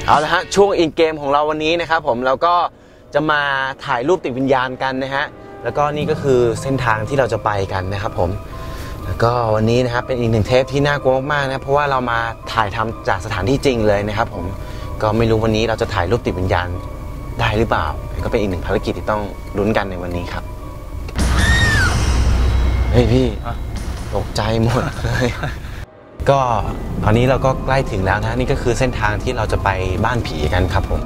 เอาละฮะช่วงอินเกมของเราวันนี้นะครับผมเราก็จะมาถ่ายรูปติดวิญญาณกันนะฮะแล้วก็นี่ก็คือเส้นทางที่เราจะไปกันนะครับผมแล้วก็วันนี้นะครับเป็นอีกหนึ่งเทปที่น่ากลัวมากๆนะเพราะว่าเรามาถ่ายทำจากสถานที่จริงเลยนะครับผมก็ไม่รู้วันนี้เราจะถ่ายรูปติดวิญญาณได้หรือเปล่าก็เป็นอีกหนึ่งภารกิจที่ต้องลุ้นกันในวันนี้ครับเฮ้ยพี่ตกใจหมดเลยก็ตอนนี้เราก็ใกล้ถึงแล้วนะนี่ก็คือเส้นทางที่เราจะไปบ้านผีกันครับผม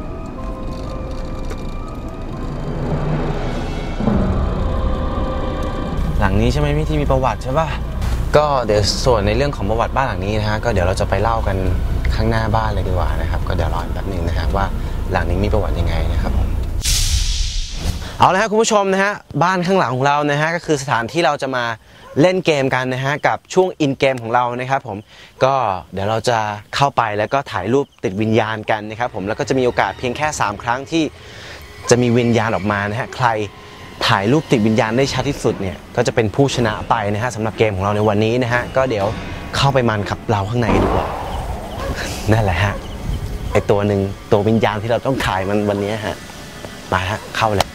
หลังนี้ใช่ไหมพี่ที่มีประวัติใช่ป่ะก็เดี๋ยวส่วนในเรื่องของประวัติบ้านหลังนี้นะฮะก็เดี๋ยวเราจะไปเล่ากันข้างหน้าบ้านเลยดีกว่านะครับก็เดี๋ยวรอแป๊บนึงนะครับว่าหลังนี้มีประวัติยังไงนะครับผมเอาละครับคุณผู้ชมนะฮะบ้านข้างหลังของเรานะฮะก็คือสถานที่เราจะมาเล่นเกมกันนะฮะกับช่วงอินเกมของเรานะครับผมก็เดี๋ยวเราจะเข้าไปแล้วก็ถ่ายรูปติดวิญญาณกันนะครับผมแล้วก็จะมีโอกาสเพียงแค่3ครั้งที่จะมีวิญญาณออกมานะฮะใครถ่ายรูปติดวิญญาณได้ชัดที่สุดเนี่ยก็จะเป็นผู้ชนะไปนะฮะสำหรับเกมของเราในวันนี้นะฮะก็เดี๋ยวเข้าไปมันกับเราข้างในดีกว่านั่นแหละฮะไอตัวหนึ่งตัววิญญาณที่เราต้องถ่ายมันวันนี้ฮะมาฮะเข้าเลย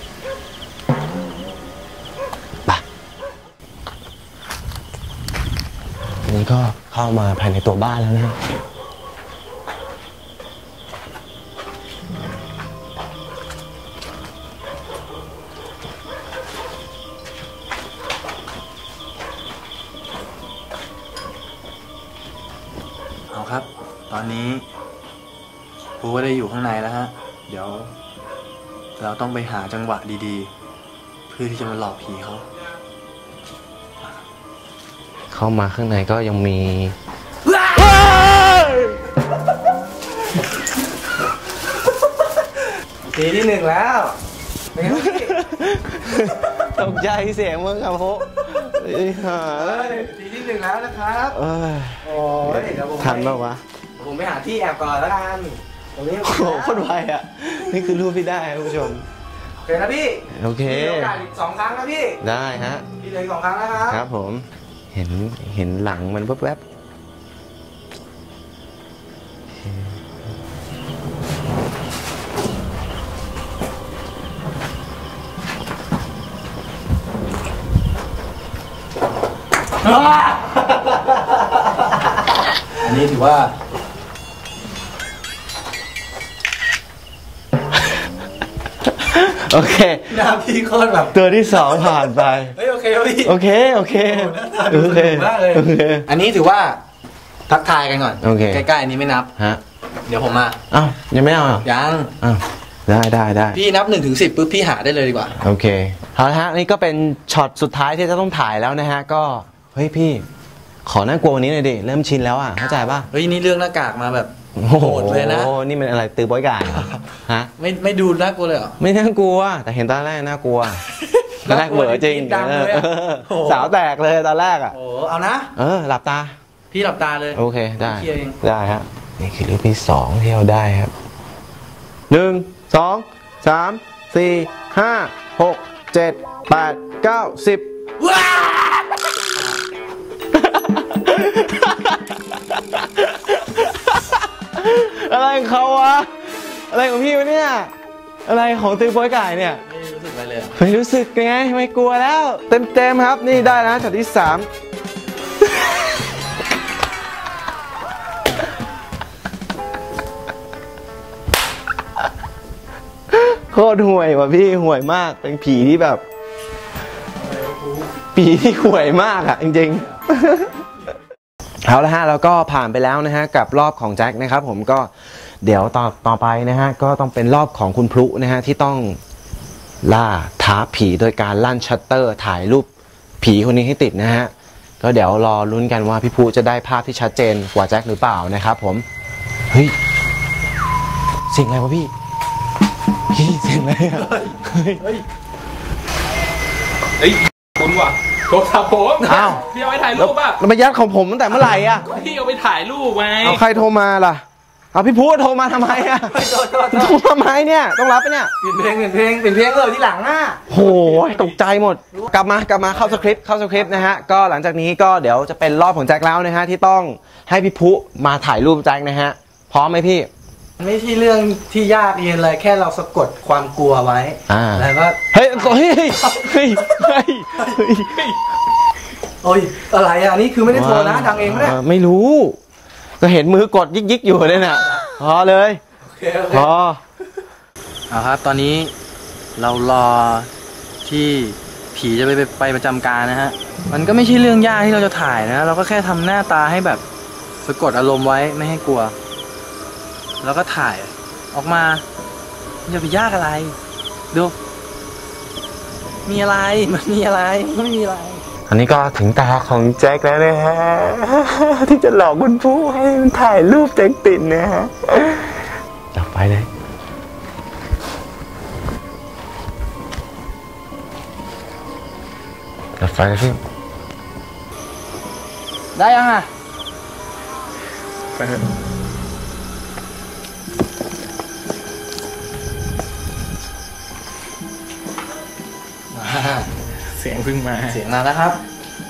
นี่ก็เข้ามาภายในตัวบ้านแล้วนะเอาครับตอนนี้ปูก็ได้อยู่ข้างในแล้วฮะเดี๋ยวเราต้องไปหาจังหวะดีๆเพื่อที่จะมาหลอกผีเขาเข้ามาข้างในก็ยังมีทีที่1แล้วตกใจเสียงมึงครับโหทีที่1แล้วนะครับโอ้ยทันป่าววะผมไปหาที่แอบก่อนแล้วกันตรงนี้โอ้โหโคตรไวอ่ะนี่คือรูปที่ได้คุณผู้ชมโอเคนะพี่โอเคมีโอกาสอีก2ครั้งนะพี่ได้ฮะพี่เหลือ2ครั้งนะครับครับผมเห็นหลังมันแวบอันนี้ถือว่าโอเคหน้าพี่โคตรแบบตัวที่2ผ่านไปเฮ้ยโอเคพี่โอเคโอเคมากเลยอันนี้ถือว่าทักทายกันก่อนโอเคใกล้ๆอันนี้ไม่นับฮะเดี๋ยวผมมาอ้าวยังไม่เอายังอ้าวได้พี่นับ1 ถึง 10ปุ๊บพี่หาได้เลยดีกว่าโอเคเอาละฮะนี่ก็เป็นช็อตสุดท้ายที่จะต้องถ่ายแล้วนะฮะก็เฮ้ยพี่ขอน่ากลัววันนี้หน่อยดิเริ่มชินแล้วอ่ะเข้าใจป่ะเฮ้ยนี่เรื่องหน้ากากมาแบบโหดเลยนะโอ้นี่มันอะไรตือป้อยกายฮะไม่ดูน่ากลัวเลยเหรอไม่น่ากลัวแต่เห็นตอนแรกน่ากลัวตอนแรกเหม่อจริงสาวแตกเลยตอนแรกอ่ะโอ้เอานะหลับตาพี่หลับตาเลยโอเคได้ฮะนี่คือรูปที่2ที่เราได้ครับ1 2 3 4 5 6 7 8 9 10ว้าอะไรของเขาวะอะไรของพี่วะเนี่ยอะไรของตือโป้ยไก่เนี่ยไม่รู้สึกอะไรเลยไม่รู้สึกไงไม่กลัวแล้วเต็มครับนี่ได้แล้วช็อตที่3โคตรห่วยว่ะพี่ห่วยมากเป็นผีที่แบบผีที่ห่วยมากอ่ะจริงๆเอาละฮะเราก็ผ่านไปแล้วนะฮะกับรอบของแจ็คนะครับผมก็เดี๋ยวต่อไปนะฮะก็ต้องเป็นรอบของคุณพลุนะฮะที่ต้องล่าท้าผีโดยการลั่นชัตเตอร์ถ่ายรูปผีคนนี้ให้ติดนะฮะก็เดี๋ยวรอลุ้นกันว่าพี่พลุจะได้ภาพที่ชัดเจนกว่าแจ็คหรือเปล่านะครับผมเฮ้ยเสียงอะไรวะพี่เสียงอะไรอ่ะเฮ้ยคุณว่ะโทรศัพท์ผมอ้าวพี่เอาไปถ่ายรูปป่ะแล้วมายัดของผมตั้งแต่เมื่อไหร่อ่ะพี่เอาไปถ่ายรูปไงเอาใครโทรมาล่ะเอาพี่พูดโทรมาทำไมอ่ะโทรทำไมเนี่ยต้องรับไปเนี่ยเปลี่ยนเพลงเลยที่หลังอ่ะโหตกใจหมดกลับมาเข้าสคริปต์นะฮะก็หลังจากนี้ก็เดี๋ยวจะเป็นรอบของแจ็คแล้วนะฮะที่ต้องให้พี่พุมาถ่ายรูปแจ็คนะฮะพร้อมไหมพี่ไม่ใช่เรื่องที่ยากเย็นเลยแค่เราสะกดความกลัวไว้แล้วก็เฮ้ยโอ้ยอะไรอ่ะนี่คือไม่ได้โทรนะดังเองไม่ได้ไม่รู้ก็เห็นมือกดยิกอยู่เนี่ยน่ะพอเลยพอเอาครับตอนนี้เรารอที่ผีจะไปประจำการนะฮะมันก็ไม่ใช่เรื่องยากที่เราจะถ่ายนะเราก็แค่ทำหน้าตาให้แบบสะกดอารมณ์ไว้ไม่ให้กลัวแล้วก็ถ่ายออกมาจะไปยากอะไรดูมีอะไรมันมีอะไรไม่มีอะไรอันนี้ก็ถึงตาของแจ็คแล้วนะฮะที่จะหลอกคุณผู้ให้มันถ่ายรูปแจ็คติดนะฮะจับไปเลยจับไฟเลยพี่ได้ยังอ่ะไปเถอะเสียงพึ่งมาเสียงมาแล้วครับ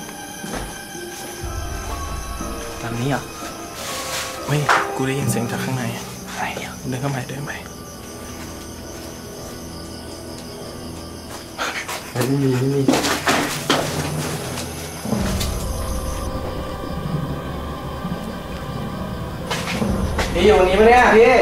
ตามนี้เหรอเฮ้ยกูได้ยินเสียงจากข้างในอะไรเนี่ยเดินเข้าไปนี่อยู่นี้ปะเนี่ยพี่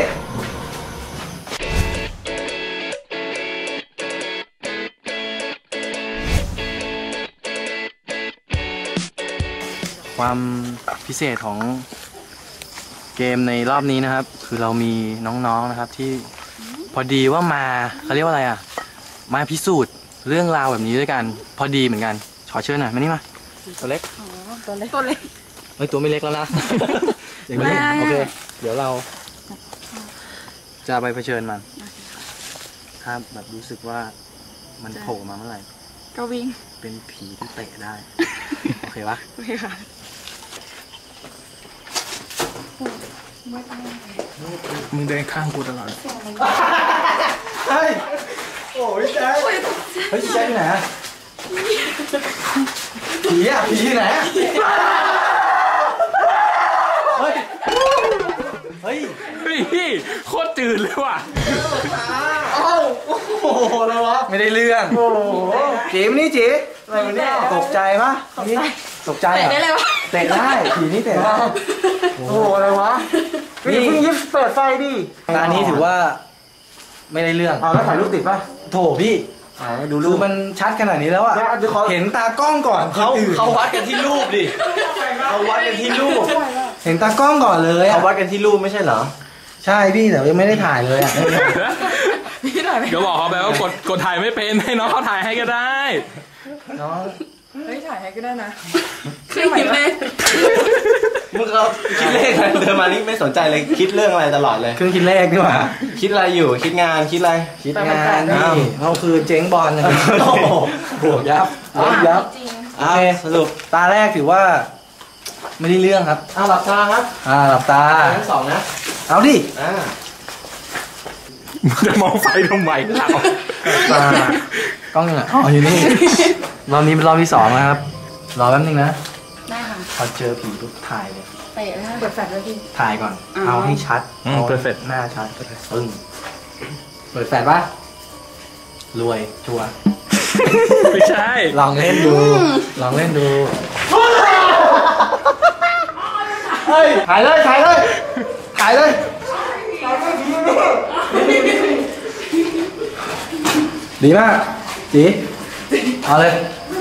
ความพิเศษของเกมในรอบนี้นะครับคือเรามีน้องๆนะครับที่พอดีว่ามาเขาเรียกว่าอะไรอ่ะมาพิสูจน์เรื่องราวแบบนี้ด้วยกันพอดีเหมือนกันขอเชิญหน่อยมานี่มาตัวเล็กตัวเล็กเฮ้ยตัวไม่เล็กแล้วนะอย่างนี้โอเคเดี๋ยวเราจะไปเผชิญมันถ้าแบบรู้สึกว่ามันโผล่มาเมื่อไหร่ก็วิ่งเป็นผีที่เตะได้โอเคปะโอเคค่ะมึงเดินข้างกูตลอดเฮ้ยโอ้ยแจ๊คเฮ้ยแจ๊คไหนผีอ่ะผีไหนเฮ้ยโคตรจืดเลยว่ะโอ้โหอะไรวะไม่ได้เรื่องโอ้โหจีมนี่จีอะไรวะเนี่ยตกใจปะตกใจเตะได้เลยวะเตะได้ผีนี่เตะได้โอ้โหอะไรวะนี่เพิ่งยิบเปิดไฟดิตานี้ถือว่าไม่ได้เรื่องเอาแล้วถ่ายรูปติดปะโถพี่ดูรูปมันชัดขนาดนี้แล้วอะเห็นตากล้องก่อนเขาวัดกันที่รูปดิเขาวัดกันที่รูปเห็นตากล้องก่อนเลยเขาวัดกันที่รูปไม่ใช่เหรอใช่พี่แต่ยังไม่ได้ถ่ายเลยอะพี่ถ่ายก็บอกเขาไปว่ากดถ่ายไม่เป็นให้น้องเขาถ่ายให้ก็ได้น้องเฮ้ยถ่ายให้ก็ได้นะคิดเลขมึงเขาคิดเลขอะไรเดินมานี่ไม่สนใจเลยคิดเรื่องอะไรตลอดเลยเครื่องคิดเลขนี่หว่าคิดอะไรอยู่คิดงานคิดอะไรคิดงานนี่เขาคือเจ๊งบอลนะบวกยับโอเคสรุปตาแรกถือว่าไม่ได้เรื่องครับหลับตาครับหลับตาทั้งสองนะเอาดิจะมองไฟทำไมเราตากล้องอ่ะอ๋ออยู่นี่รอบนี้เป็นรอบที่2นะครับรอแป๊บนึงนะได้ค่ะพอเจอผีปุ๊บถ่ายเลยเตะนะเปิดแฟลชเลยพี่ถ่ายก่อนเอาให้ชัดเปิดแฟลชหน้าชัดเปิดแฟลชปะรวยชัวร์ไม่ใช่ลองเล่นดูถ่ายเลยดีมากจีเอาเลย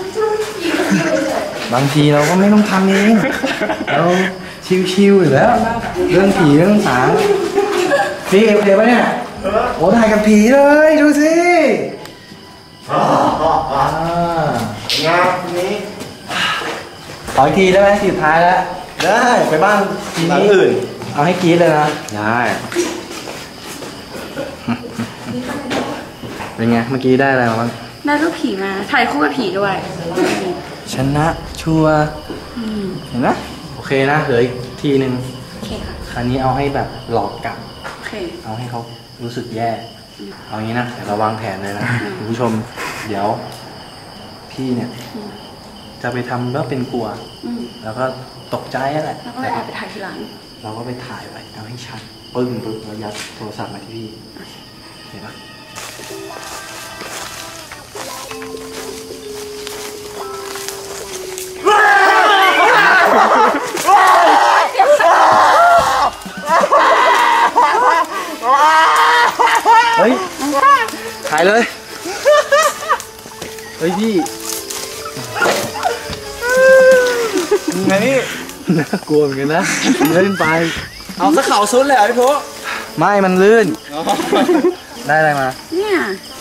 บางทีเราก็ไม่ต้องทำเองเราชิวๆอยู่แล้วเรื่องผีเรื่องสางพี่โอเคปะเนี่ยโอ้ถ่ายกับผีเลยดูสิงานนี้ขออีกทีได้ไหมสุดท้ายแล้วได้ไปบ้านหลังอื่นเอาให้กรี๊ดเลยนะได้เป็นไงเมื่อกี้ได้อะไรมาบ้างได้รูปผีมาถ่ายคู่กับผีด้วยชนะชัวเห็นไหมโอเคนะเหลืออีกทีนึงโอเคค่ะคราวนี้เอาให้แบบหลอกกลับโอเคเอาให้เขารู้สึกแย่เอางี้นะเดี๋ยวเราวางแผนเลยนะคุณผู้ชมเดี๋ยวพี่เนี่ยจะไปทำแล้วเป็นกลัวแล้วก็ตกใจอะไรแล้วก็ไปถ่ายทีหลังเราก็ไปถ่ายไว้เอาให้ชัดปึ้งแล้วยัดโทรศัพท์มาที่พี่เห็นปะเฮ้ยถ่ายเลยเฮ้ยพี่ไงนี่น่ากลัวเหมือนกันนะเล่นไปเอาสักเข่าซุดเลยเหรอพี่โพไม่มันลื่นได้อะไรมาเนี่ย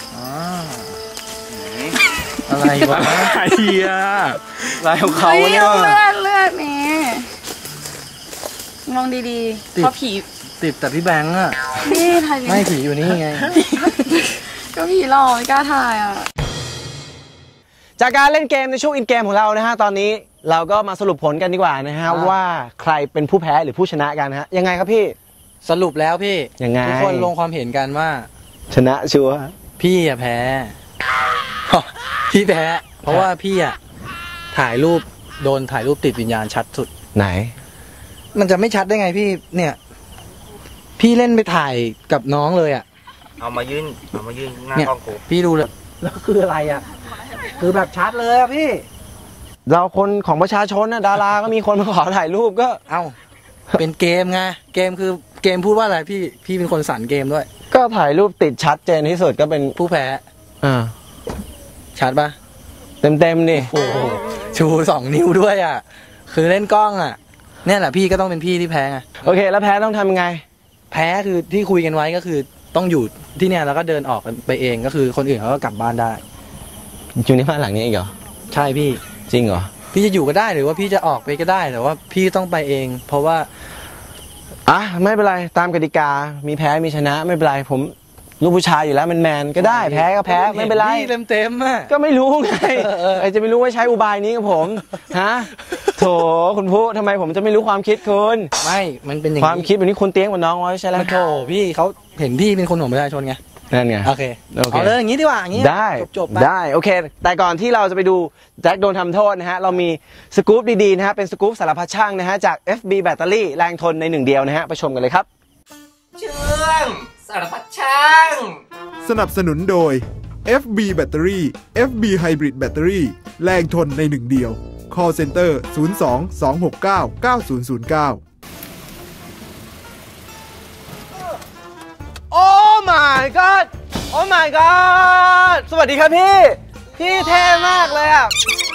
อะไรวะไอ้เหี้ยลายของเขาเนี่ยเลือดนี่มองดีๆเพราะผีติดแต่พี่แบงค์อะนี่ถ่ายไม่ผีอยู่นี่ไงก็ผีหลอกไม่กล้าถ่ายอ่ะจากการเล่นเกมในช่วงอินเกมของเรานะฮะตอนนี้เราก็มาสรุปผลกันดีกว่านะฮะว่าใครเป็นผู้แพ้หรือผู้ชนะกันฮะยังไงครับพี่สรุปแล้วพี่ยังไงทุกคนลงความเห็นกันว่าชนะชัวร์พี่อะแพ้พี่แพ้เพราะว่าพี่อะถ่ายรูปโดนถ่ายรูปติดวิญญาณชัดสุดไหนมันจะไม่ชัดได้ไงพี่เนี่ยพี่เล่นไปถ่ายกับน้องเลยอะเอามายื่นหน้ากล้องกูพี่ดูเลยแล้วคืออะไรอะคือแบบชัดเลยอะพี่เราคนของประชาชนนะดาราก็มีคนมาขอถ่ายรูปก็เอ้าเป็นเกมไงเกมคือเกมพูดว่าอะไรพี่เป็นคนสรรเกมด้วยก็ถ่ายรูปติดชัดเจนที่สุดก็เป็นผู้แพ้ชัดปะเต็มนี่โอ้โหชู2 นิ้วด้วยอ่ะคือเล่นกล้องอ่ะเนี่ยแหละพี่ก็ต้องเป็นพี่ที่แพ้ไงโอเคแล้วแพ้ต้องทำยังไงแพ้คือที่คุยกันไว้ก็คือต้องอยู่ที่เนี่ยแล้วก็เดินออกไปเองก็คือคนอื่นเขาก็กลับบ้านได้อยู่ในบ้านหลังนี้อีกเหรอใช่พี่จริงเหรอพี่จะอยู่ก็ได้หรือว่าพี่จะออกไปก็ได้แต่ว่าพี่ต้องไปเองเพราะว่าไม่เป็นไรตามกติกามีแพ้มีชนะไม่เป็นไรผมลูกผู้ชายอยู่แล้วแมนก็ได้แพ้ก็แพ้ไม่เป็นไรเต็มอ่ะก็ไม่รู้ไงไอจะไม่รู้ว่าใช้อุบายนี้กับผมฮะโถคุณผู้ทำไมผมจะไม่รู้ความคิดคุณไม่มันเป็นอย่างความคิดแบบนี้คุณเตี้ยงกว่าน้องไว้ใช่แล้วโถพี่เขาเห็นพี่เป็นคนของประชาชนไงนั่นไงโอเคเอาเลยอย่างนี้ดีกว่าอย่างนี้ได้ได้โอเคแต่ก่อนที่เราจะไปดูแจ็คโดนทำโทษนะฮะเรามีสกู๊ปดีๆนะฮะเป็นสกู๊ปสารพัดช่างนะฮะจาก FB แบตเตอรี่แรงทนใน1 เดียวนะฮะไปชมกันเลยครับเชื่องสารพัดช่างสนับสนุนโดย FB แบตเตอรี่ FB Hybrid แบตเตอรี่แรงทนใน1 เดียว Call Center 02-269-9009 โอ้ my god โอ้ my god สวัสดีครับพี่เท่มากเลยอ่ะ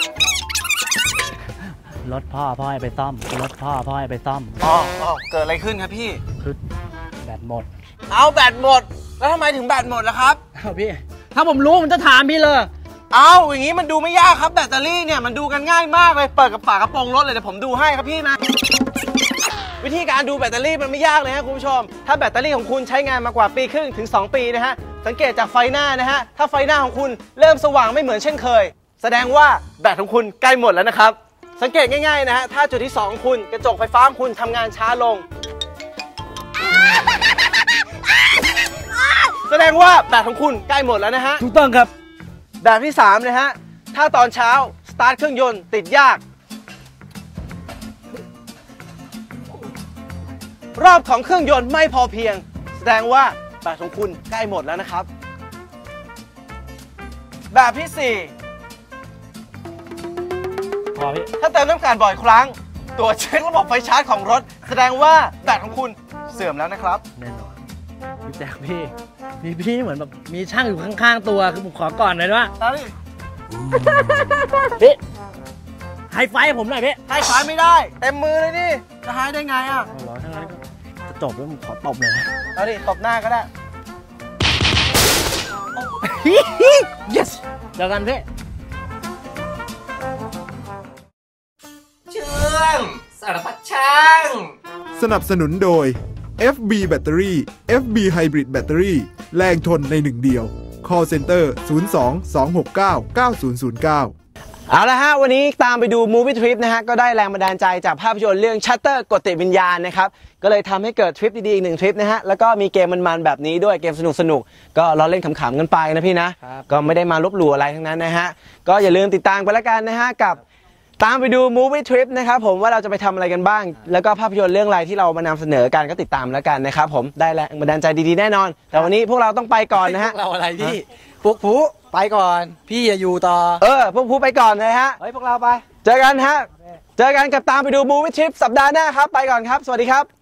รถพ่อให้ไปซ่อมรถพ่อให้ไปซ่อมเกิดอะไรขึ้นครับพี่คือแบตหมดเอาแบตหมดแล้วทำไมถึงแบตหมดล่ะครับพี่ถ้าผมรู้ผมจะถามพี่เลยเอาอย่างนี้มันดูไม่ยากครับแบตเตอรี่เนี่ยมันดูกันง่ายมากเลยเปิดกับฝากระโปรงรถเลยเดี๋ยวผมดูให้ครับพี่นะวิธีการดูแบตเตอรี่มันไม่ยากเลยฮะคุณผู้ชมถ้าแบตเตอรี่ของคุณใช้งานมากว่า1.5 ปีถึง2 ปีนะฮะสังเกตจากไฟหน้านะฮะถ้าไฟหน้าของคุณเริ่มสว่างไม่เหมือนเช่นเคยแสดงว่าแบตของคุณใกล้หมดแล้วนะครับสังเกตง่ายๆนะฮะถ้าจุดที่2ของคุณกระจกไฟฟ้าของคุณทำงานช้าลงแสดงว่าแบตของคุณใกล้หมดแล้วนะฮะถูกต้องครับแบบที่3นะฮะถ้าตอนเช้าสตาร์ทเครื่องยนต์ติดยากรอบของเครื่องยนต์ไม่พอเพียงแสดงว่าแบตของคุณใกล้หมดแล้วนะครับแบบที่4ถ้าเติมน้ำมันบ่อยครั้งตรวจเช็คระบบไฟชาร์จของรถแสดงว่าแบตของคุณเสื่อมแล้วนะครับแน่นอนพี่แจ๊คพี่เหมือนแบบมีช่างอยู่ข้างๆตัวคือผมขอก่อนหน่อยว่าพี่ให้ไฟผมหน่อยพี่ให้ไฟไม่ได้เต็มมือเลยนี่จะให้ได้ไงอ่ะรอทั้งนั้นจะจบแล้วผมขอตบเลยเอาดิตบหน้าก็ได้ yes เจอกันพี่เชื่องสารพัดช่างสนับสนุนโดย FB แบตเตอรี่ FB Hybrid แบตเตอรี่แรงทนใน1 เดียว Call Center 02-269-9009 เอาละฮะวันนี้ตามไปดู Movie Trip นะฮะก็ได้แรงบันดาลใจจากภาพยนตร์เรื่อง Shutter กฎติดวิญญาณนะครับก็เลยทำให้เกิดทริปดีๆอีก1 ทริปนะฮะแล้วก็มีเกมมันๆแบบนี้ด้วยเกมสนุกๆก็เราเล่นขำๆกันไปนะพี่นะก็ไม่ได้มาลบหลู่อะไรทั้งนั้นนะฮะก็อย่าลืมติดตามไปแล้วกันนะฮะกับตามไปดู Movie Trip นะครับผมว่าเราจะไปทำอะไรกันบ้าง แล้วก็ภาพยนตร์เรื่องอะไรที่เรามานำเสนอกันก็ติดตามแล้วกันนะครับผมได้แรงบันดาลใจดีๆแน่นอน แต่วันนี้พวกเราต้องไปก่อนนะฮะพวกเราอะไรพี่พวกผู้ไปก่อนพี่อย่าอยู่ต่อพวกผู้ไปก่อนเลยฮะเฮ้ยพวกเราไปเจอกันฮะเจอกันกับตามไปดู Movie Trip สัปดาห์หน้าครับไปก่อนครับสวัสดีครับ